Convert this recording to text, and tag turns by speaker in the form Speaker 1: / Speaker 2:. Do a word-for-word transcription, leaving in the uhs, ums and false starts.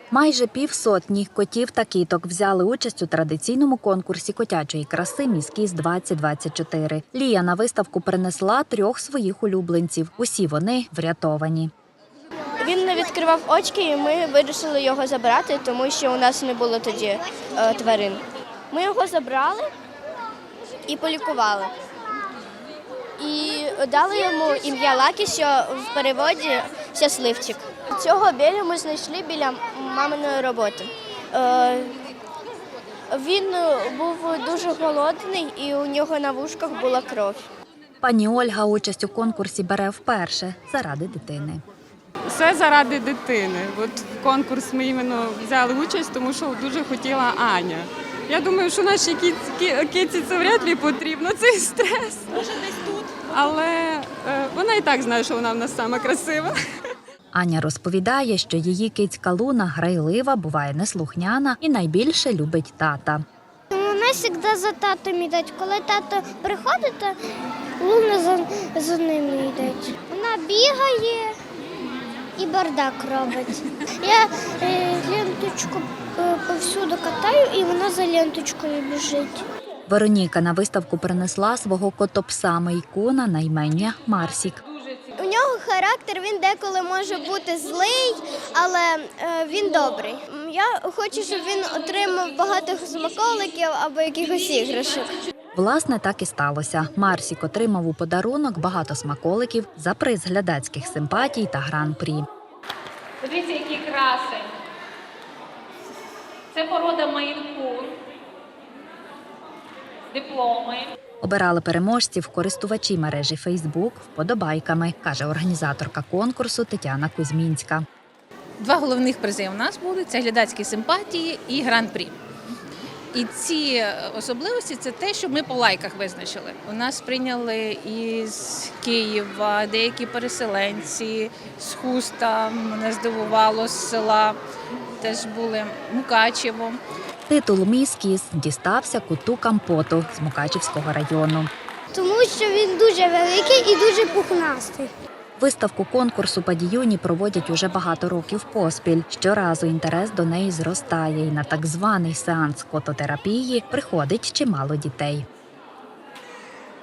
Speaker 1: Майже півсотні котів та кіток взяли участь у традиційному конкурсі котячої краси «Міс Кіс двадцять двадцять чотири». Лія на виставку принесла трьох своїх улюбленців. Усі вони врятовані.
Speaker 2: Він не відкривав очки, і ми вирішили його забрати, тому що у нас не було тоді е, тварин. Ми його забрали і полікували. І дали йому ім'я Лакі, що в переводі «щасливчик». Цього Белю ми знайшли біля маминої роботи. Е, він був дуже голодний і у нього на вушках була кров.
Speaker 1: Пані Ольга участь у конкурсі бере вперше заради дитини.
Speaker 3: Все заради дитини. От в конкурс ми іменно взяли участь, тому що дуже хотіла Аня. Я думаю, що нашій киці це вряд ли потрібно, цей стрес. Може, десь тут. Але е, вона і так знає, що вона в нас сама красива.
Speaker 1: Аня розповідає, що її кицька Луна грайлива, буває неслухняна і найбільше любить тата.
Speaker 4: Вона завжди за татом йде. Коли тато приходить, то Луна за, за ним йде. Вона бігає і бардак робить. Я е, ленточку е, повсюди катаю, і вона за ленточкою біжить.
Speaker 1: Вероніка на виставку принесла свого котопса Мейкуна на ім'я Марсік.
Speaker 2: У нього характер, він деколи може бути злий, але е, він добрий. Я хочу, щоб він отримав багато смаколиків або якихось іграшок.
Speaker 1: Власне, так і сталося. Марсік отримав у подарунок багато смаколиків за приз глядацьких симпатій та гран-прі.
Speaker 5: Дивіться, який красень. Це порода Мейн-кун. Дипломи.
Speaker 1: Обирали переможців користувачі мережі Фейсбук вподобайками, каже організаторка конкурсу Тетяна Кузьмінська.
Speaker 6: Два головних призи у нас будуть – це глядацькі симпатії і гран-прі. І ці особливості – це те, що ми по лайках визначили. У нас прийняли із Києва деякі переселенці, з Хуста, мене здивувало, з села, теж були Мукачево.
Speaker 1: Титул «Міс Кіс» дістався коту Кампоту з Мукачівського району.
Speaker 4: Тому що він дуже великий і дуже пухнастий.
Speaker 1: Виставку конкурсу «Падіюні» проводять уже багато років поспіль. Щоразу інтерес до неї зростає, і на так званий сеанс кототерапії приходить чимало дітей.